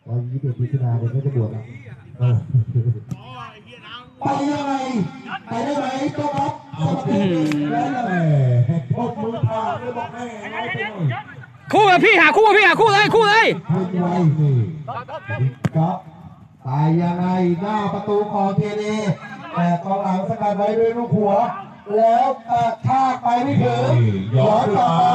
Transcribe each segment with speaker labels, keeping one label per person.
Speaker 1: วัน21 มิถุนายนเดี๋ยวก็จะบวชแล้วไปยังไงไปได้ไหมตัวครับแล้วยังไงพกมือพาไม่บอกแม่
Speaker 2: คู่เลยพี่หาคู่เลย
Speaker 1: ขึ้นไว้สิครับตายยังไงหน้าประตูของเทเนแต่กองหลังสกัดไว้ด้วยลูกหัวแล้วกระชากไปไม่ถึงย้อนกลับมา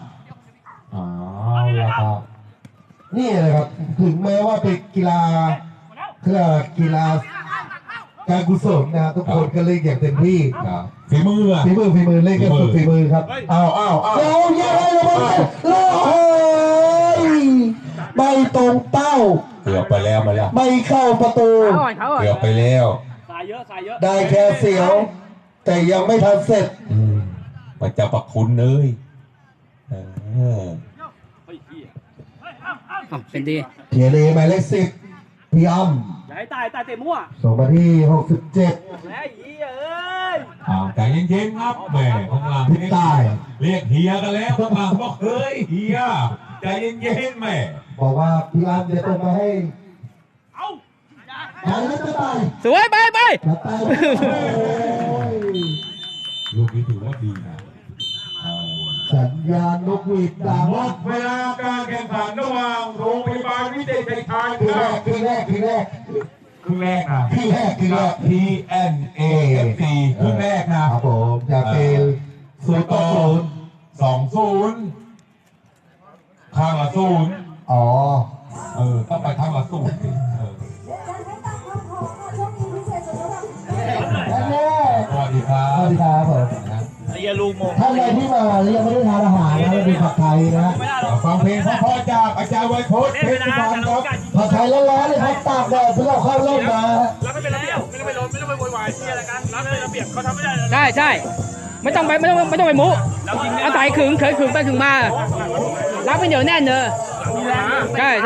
Speaker 1: แล้วครับนี่เลยครับถึงแม้ว่าเป็นกีฬากีฬาการกุศลนะทุกคนก็เล่นอย่างเต็มที่
Speaker 3: ฝีมือ
Speaker 1: เล่นกันสุดฝีมือครับเอายังไงเลยไม่ตรงเป้า
Speaker 3: เกือบไปแล้วมาแล้ว
Speaker 1: ไม่เข้าประตู
Speaker 3: เกือบไปแล้ว
Speaker 2: สายเยอะ
Speaker 1: ได้แค่เสียวแต่ยังไม่ทันเสร็จ
Speaker 3: มันจะปักคุณเลย
Speaker 2: เป็นดี
Speaker 1: เทียเลหมายเลข10พี่อ้ำ
Speaker 2: อย่าให้ตายเตะมั่ว
Speaker 1: ส่งมาที่67
Speaker 2: แล้วเฮีย
Speaker 3: ใจเย็นๆครับแม่ข้างหลัง
Speaker 1: พี่ตาย
Speaker 3: เรียกเฮียกันแล้วข้างหลังบอกเฮ้ยเฮียใจเย็นๆแม่
Speaker 1: บอกว่าพี่อ้ำจะต้องมาให้
Speaker 2: สวยไป
Speaker 3: ลูกนี้ถือว่าดีนะ
Speaker 1: สัญญาณนกหวีดดัง
Speaker 3: หมดเวลาการแข่งขันระหว่างโรงพยาบาลวิเศษชัยชาญ
Speaker 1: คือแรก
Speaker 3: นะ TNA FC ครึ่งแรกนะครับ
Speaker 1: ผมจะเป็น
Speaker 3: 0-20ข้างละ0
Speaker 1: อ๋อ
Speaker 3: ต้องไปข้างละ0สวัสดีครับ
Speaker 1: ผม
Speaker 2: เรียลูโม
Speaker 1: ท่านใดที่มายังไม่ได้ทานอาหารนะเป็นผัดไทยนะ
Speaker 3: ฟังเพลงพ่อจากอาจารย์ไวโพสเพชรสุพรรณครับ
Speaker 1: ผัดไทยร้อนๆเลยครับตากแดดเพื่อเข้าร่มมา
Speaker 2: แล้วไม่เป็นระเบียบไม่ต้องไปล้มไม่ต้องไปโวยวายที่อะไรกันแล้วเป็นระเบียบเขาทำไม่ได้ใช่ไม่ต้องไปมุอาศัยขึงไปขึงมารับเป็นเดี๋ยวแน่นเนอะใช่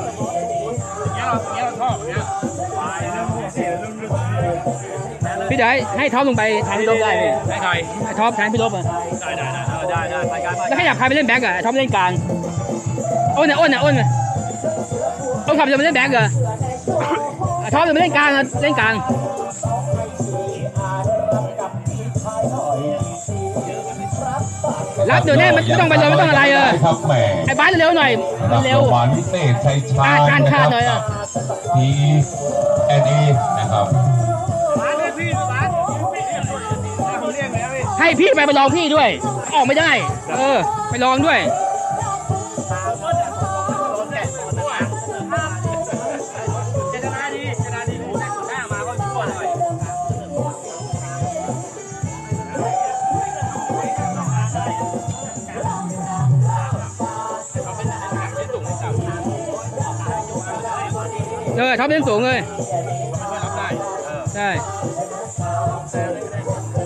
Speaker 2: พี่เดี๋ยวให้ท็อปลงไปแทนพี่ลบได้พี่ให้ใครให้ท็อปแทนพี่ลบอ่ะได้แล้วให้อยากใครไปเล่นแบ็กอ่ะท็อปเล่นกลางอ้นขับจะไปเล่นแบ็กเหรอท็อปจะไปเล่นกลางเล่นกลางรับเดี๋ยวแน่ไม่ต้องไปเลยไม่ต้องอะไรไอ้บ้านเร็วหน่อยเร็ว
Speaker 3: หวานพิเศษชัยชาญ
Speaker 2: การขาดหน่อย
Speaker 3: TNA นะครับ
Speaker 2: ให้พี่ไปลองพี่ด้วยออกไม่ได้ไปลองด้วยท็อปเล่นสูงเลยใช่